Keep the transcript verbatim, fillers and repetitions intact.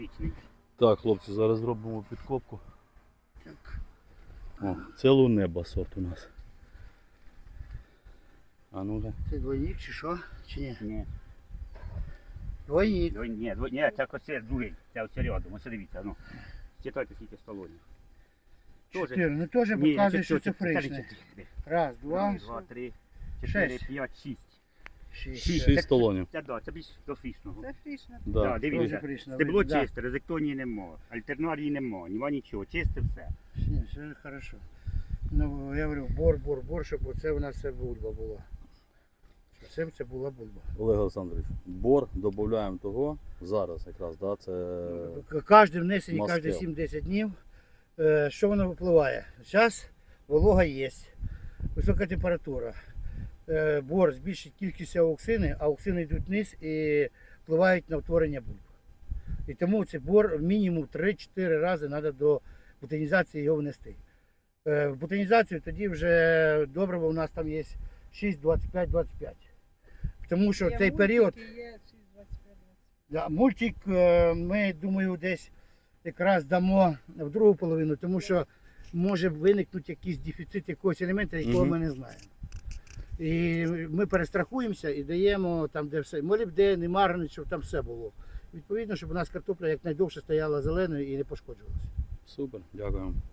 Так, хлопці, зараз зробимо підкопку. Так. О, це лунеба сорт у нас. А ну-ка. Це двойник чи що? Чи ні? Ні. Двойник. Ні, ні, дво- ні, це оце другий, це оце рядом, ось дивіться, ну. Читайте скільки столонів. Чотири. Ну теж показує, що це фришне. Раз, два, два, три, чотири, шесть. п'ять, шість. шість. Шість Це столонів. Це, да, це більш до фрішного. Це фрішна. Да. Да, дивіться. Дуже фрішно Стебло видно, да. чисте, резектонії нема, альтернарії нема, нема нічого, чисте все. Ні, все хорошо. Ну, я говорю, бор, бор, бор, щоб оце у нас все бульба була. Щоб це, це була бульба. Олег Олександрович, бор додаємо того зараз якраз, да, це Кожне внесення, Мастил. кожні сім-десять днів, е, що воно випливає? Зараз волога є, висока температура. Е, Бор збільшить кількість ауксини, а ауксини йдуть вниз і впливають на утворення бульб. І тому цей бор мінімум три-чотири рази треба до бутонізації його внести. Е, В бутонізацію тоді вже добриво у нас там є шість, двадцять п'ять, двадцять п'ять. Тому що Є цей період. мультики, є шість, двадцять п'ять, двадцять. Да, мультик е, ми, думаю, десь якраз дамо в другу половину, тому що може виникнути якийсь дефіцит якогось елемента, якого Мгм. ми не знаємо. І ми перестрахуємося і даємо там, де все. Молібден і марганець, щоб там все було. Відповідно, щоб у нас картопля якнайдовше стояла зеленою і не пошкоджувалася. супер, дякуємо.